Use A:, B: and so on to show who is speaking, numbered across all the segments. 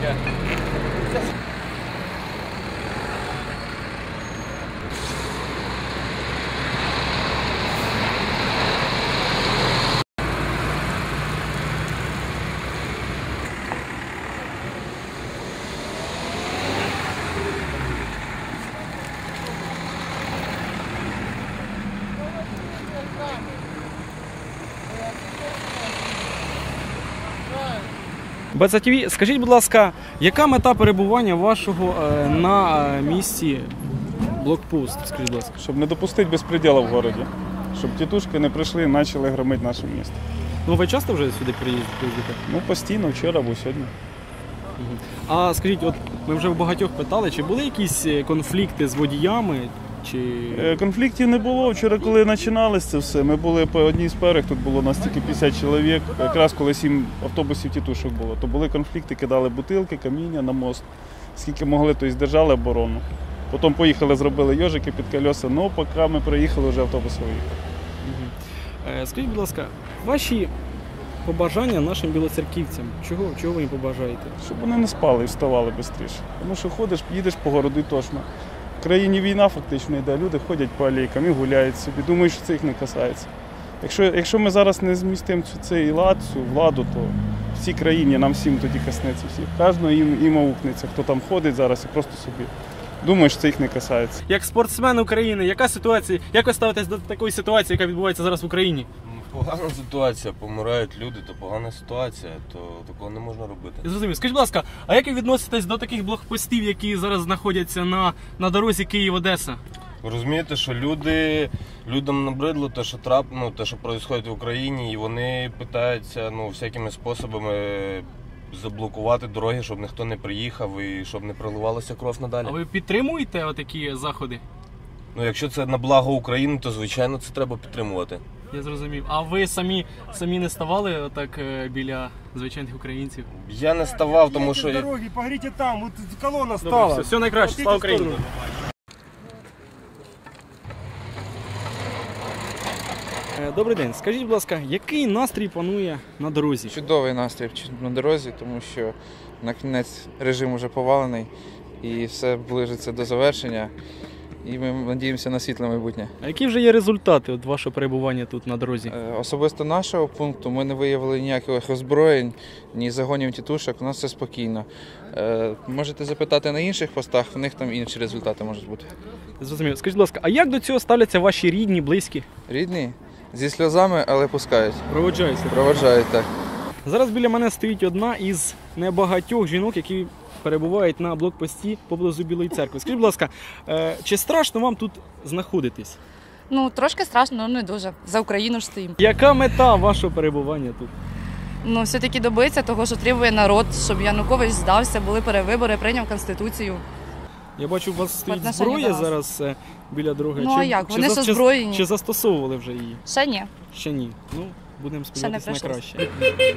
A: таке.
B: БЦ-ТВ, скажіть, будь ласка, яка мета перебування вашого на місці блокпост? Скажіть, будь ласка.
C: Щоб не допустити безпреділу в місті. Щоб тітушки не прийшли і почали громити наше місто.
B: Ну ви часто вже сюди приїздите?
C: Ну постійно, вчора або сьогодні.
B: А скажіть, от ми вже в багатьох питали, чи були якісь конфлікти з водіями?
C: Конфліктів не було. Вчора, коли починалося це все, ми були по одній з перег, тут було нас тільки 50 чоловік, якраз коли 7 автобусів тітушок було, то були конфлікти, кидали бутилки, каміння на мост, скільки могли, то і здержали оборону. Потім поїхали, зробили йожики під колеса, але поки ми приїхали, вже автобус виїхав.
B: Скажіть, будь ласка, ваші побажання нашим білоцерківцям, чого ви їм побажаєте?
C: Щоб вони не спали і вставали швидше. Тому що ходиш, їдеш по городу і точно. В країні війна фактично йде, люди ходять по алейкам і гуляють собі, думають, що це їх не касається. Якщо ми зараз не змістимо цей лад, цю владу, то в цій країні нам всім тоді коснеться всіх. Кожного їм аукнеться, хто там ходить зараз і просто собі думає, що це їх не касається.
B: Як спортсмен України, яка ситуація, як ви ставитесь до такої ситуації, яка відбувається зараз в Україні?
A: Погана ситуація, помирають люди, то погана ситуація, то такого не можна робити.
B: Зрозумів. Скажіть, будь ласка, а як ви відноситесь до таких блокпостів, які зараз знаходяться на дорозі Київ-Одеса?
A: Ви розумієте, що людям набридло те, що те, що відбувається в Україні, і вони питаються всякими способами заблокувати дороги, щоб ніхто не приїхав і щоб не проливалася кров надалі.
B: А ви підтримуєте отакі заходи?
A: Якщо це на благо України, то звичайно це треба підтримувати.
B: Я зрозумів. А ви самі не ставали отак біля звичайних українців?
A: Я не ставав, тому що...
D: Дороги, погорите там, вот колонна стала.
B: Добре, все найкраще, слава Україні! Добрий день. Скажіть, будь ласка, який настрій панує на дорозі?
E: Чудовий настрій на дорозі, тому що на кінець режим вже повалений і все ближиться до завершення. І ми надіємося на світле майбутнє.
B: А які вже є результати від вашого перебування тут на дорозі?
E: Особисто нашого пункту ми не виявили ніяких роззброєнь, ні загонів тітушок, у нас все спокійно. Можете запитати на інших постах, в них там інші результати можуть бути.
B: Зрозуміло. Скажіть, будь ласка, а як до цього ставляться ваші рідні, близькі?
E: Рідні? Зі сльозами, але пускають.
B: Проводжаються?
E: Проводжають, так.
B: Зараз біля мене стоїть одна із небагатьох жінок, які перебувають на блокпості поблизу Білої церкви. Скажіть, будь ласка, чи страшно вам тут знаходитись?
F: Трошки страшно, але не дуже. За Україну ж стоїмо.
B: Яка мета вашого перебування тут?
F: Все-таки добитися того, що требує народ, щоб Янукович здався, були перевибори, прийняв Конституцію.
B: Я бачу, у вас стоїть зброя зараз біля дороги.
F: А як? Вони ж озброєні.
B: Чи застосовували вже її?
F: Ще ні.
B: Ще ні. Будемо сподіватися на краще.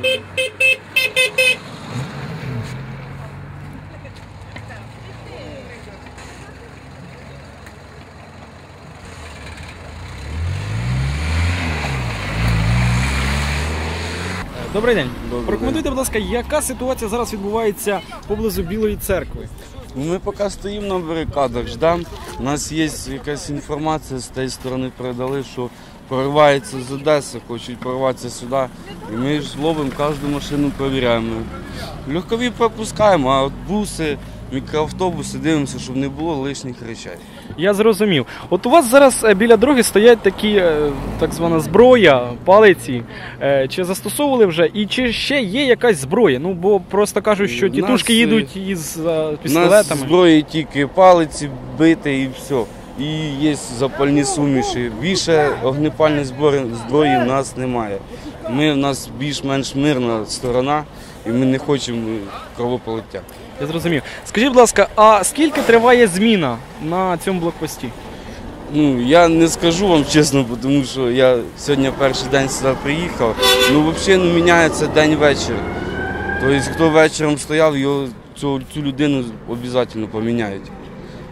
B: Добрий день. Прокоментуйте, будь ласка, яка ситуація зараз відбувається поблизу Білої церкви?
G: Ми поки стоїмо на барикадах, ждемо. У нас є якась інформація, з тієї сторони передали, що прориваються з Одеси, хочуть прорватися сюди. І ми ж ловимо кожну машину, перевіряємо. Легкові пропускаємо, а от буси, мікроавтобуси дивимося, щоб не було лишніх речей.
B: Я зрозумів. От у вас зараз біля дороги стоять такі, так звана зброя, палиці. Чи застосовували вже? І чи ще є якась зброя? Бо просто кажуть, що тітушки їдуть із пістолетами.
G: У нас зброї тільки палиці, бити і все. І є запальні суміші. Більше огнепальної зброї в нас немає. У нас більш-менш мирна сторона, і ми не хочемо кровопролиття.
B: Я зрозумів. Скажіть, будь ласка, а скільки триває зміна на цьому блокпості?
G: Я не скажу вам чесно, тому що я сьогодні перший день сюди приїхав. Взагалі міняється день-вечір. Тобто, хто вечором стояв, цю людину обов'язково поміняють.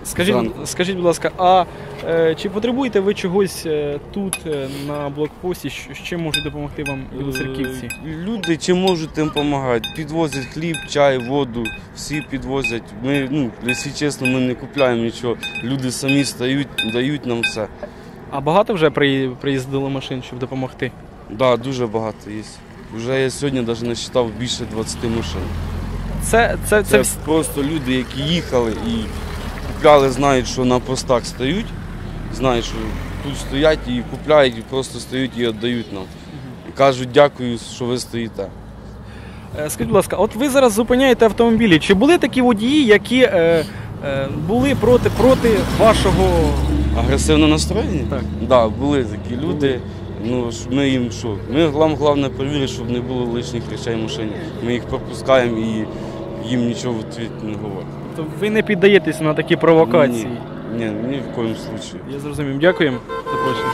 B: Скажіть, будь ласка, а чи потребуєте ви чогось тут, на блокпості, з чим можуть допомогти вам білоцерківці?
G: Люди чим можуть, тим допомагають. Підвозять хліб, чай, воду, всі підвозять. Ми, якщо чесно, ми не купуємо нічого. Люди самі стають, дають нам все.
B: А багато вже приїздило машин, щоб допомогти?
G: Так, дуже багато є. Вже я сьогодні навіть насчитав більше 20 машин. Це просто люди, які їхали і купляли, знають, що на постах стають, знають, що тут стоять і купляють, і просто стають і віддають нам. І кажуть, дякую, що ви стоїте.
B: Скажіть, будь ласка, от ви зараз зупиняєте автомобілі. Чи були такі водії, які були проти вашого...
G: Агресивно настроєні?
B: Так.
G: Да, були такі люди. Ну, ми їм що? Ми головне перевірити, щоб не було лишніх речей в машині. Ми їх пропускаємо і їм нічого в відповідь не говоримо.
B: Тобто ви не піддаєтесь на такі провокації?
G: Ні в коєму случаю.
B: Я зрозумів. Дякуємо. До побачення.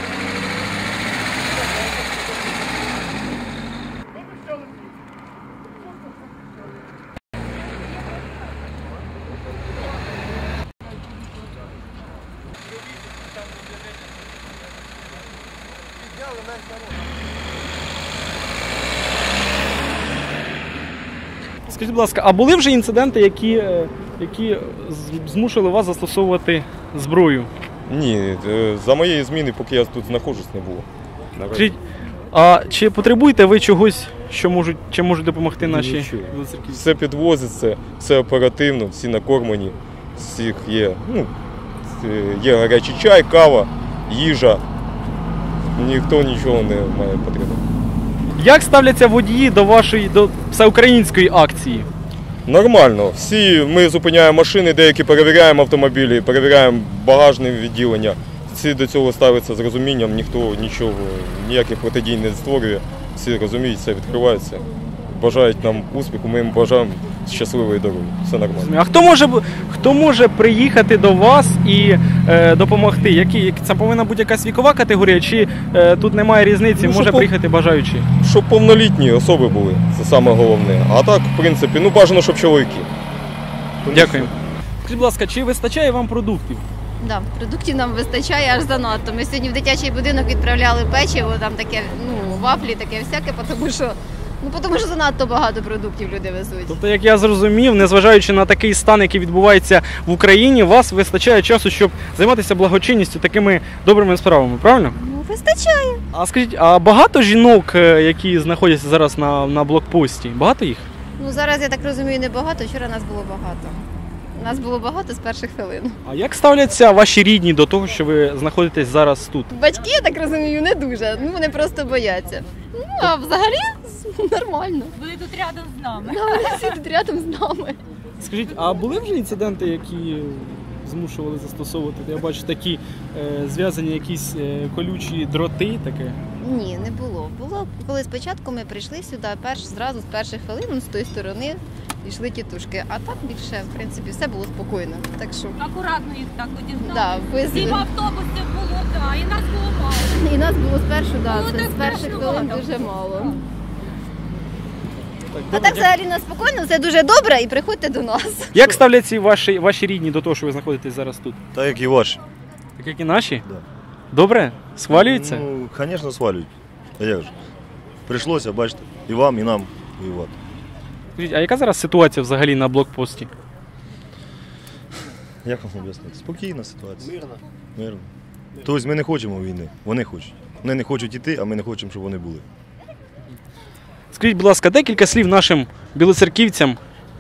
B: Скажіть, будь ласка, а були вже інциденти, які змусили вас застосовувати зброю?
H: Ні, за моєї зміни, поки я тут знаходжусь, не було.
B: Скажіть, а чи потребуєте ви чогось, чим можуть допомогти наші білоцерківці?
H: Все підвозиться, все оперативно, всі накормлені, всіх є. Є гарячий чай, кава, їжа. Ніхто нічого не має потрібно.
B: Як ставляться водії до всеукраїнської акції?
H: Нормально. Ми зупиняємо машини, деякі перевіряємо автомобілі, перевіряємо багажне відділення. Всі до цього ставляться з розумінням, ніхто нічого, ніяких протидій не створює. Всі розуміють, все відкривається. Бажають нам успіху, ми їм бажаємо щасливої дороги. Все нормально.
B: А хто може приїхати до вас і допомогти? Це повинна бути якась вікова категорія, чи тут немає різниці, може приїхати бажаючі?
H: Щоб повнолітні особи були, це саме головне. А так, в принципі, бажано, щоб чоловіки.
B: Дякую. Скажіть, будь ласка, чи вистачає вам продуктів?
I: Да, продуктів нам вистачає аж занадто. Ми сьогодні в дитячий будинок відправляли печиво, там таке, вафлі, таке всяке, тому що занадто багато продуктів люди везуть.
B: Тобто, як я зрозумів, незважаючи на такий стан, який відбувається в Україні, у вас вистачає часу, щоб займатися благочинністю, такими добрими справами, правильно?
I: Вистачає.
B: А скажіть, а багато жінок, які знаходяться зараз на блокпості, багато їх?
I: Зараз, я так розумію, не багато, вчора нас було багато. Нас було багато з перших хвилин.
B: А як ставляться ваші рідні до того, що ви знаходитесь зараз тут?
I: Батьки, я так розумію, не дуже. Вони просто бояться. А взагалі нормально.
J: Вони тут рядом з нами.
I: Вони всі тут рядом з нами.
B: Скажіть, а були вже інциденти, які змушували застосовувати? Я бачу такі зв'язані якісь колючі дроти таке?
I: Ні, не було. Було, коли спочатку ми прийшли сюди, зразу з перших хвилин з тої сторони йшли тітушки. А так більше, в принципі, все було спокійно. Так що...
J: Акуратно їх так одігнали.
I: Да,
J: Сім автобусів було, і нас було мало.
I: І нас було спершу,
J: Було
I: з перших хвилин
J: мало.
I: дуже мало. А так взагалі нас спокійно, все дуже добре і приходьте до нас.
B: Як ставляться ваші рідні до того, що ви знаходитесь зараз тут?
K: Так, як і ваші.
B: Так, як і наші?
K: Да.
B: Добре? Схвалюються?
K: Звісно, свалюють. А як же? Прийшлося, бачите, і вам, і нам воювати.
B: Скажіть, а яка зараз ситуація взагалі на блокпості?
K: Як вам об'яснити? Спокійна ситуація. Мирно. Тобто ми не хочемо війни, вони хочуть. Вони не хочуть йти, а ми не хочемо, щоб вони були.
B: Скажіть, будь ласка, декілька слів нашим білоцерківцям.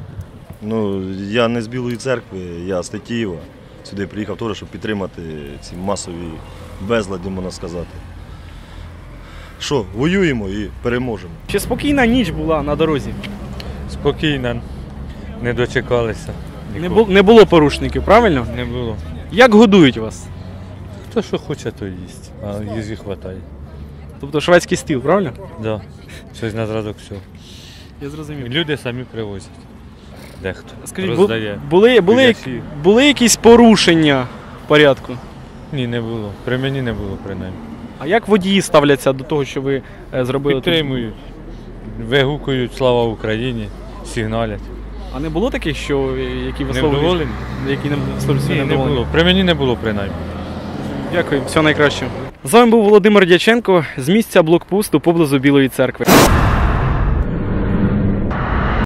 K: Я не з Білої церкви, я з Тетіїва. Сюди приїхав теж, щоб підтримати ці масові безлади, можна сказати. Що, воюємо і переможемо.
B: Чи спокійна ніч була на дорозі?
L: Спокійно, не дочекалися.
B: Не було порушників, правильно?
L: Не було.
B: Як годують вас?
L: Хто що хоче, то їсть, а їжі вистачає.
B: Тобто шведський стіл, правильно?
L: Так, да. Щось на зразок всього.
B: Я зрозумів.
L: Люди самі привозять. Дехто
B: Скажіть,
L: роздає.
B: були якісь порушення порядку?
L: Ні, не було. При мені не було, принаймні.
B: А як водії ставляться до того, що ви зробили?
L: Підтримують, вигукують «Слава Україні», сигналять.
B: А не було таких, які висловлюють
L: Невдоволені?
B: які не висловлюють своє
L: Ні, не
B: невдоволення?
L: було. При мені не було, принаймні.
B: Дякую, всього найкращого. З вами був Володимир Дяченко з місця блокпосту поблизу Білої церкви.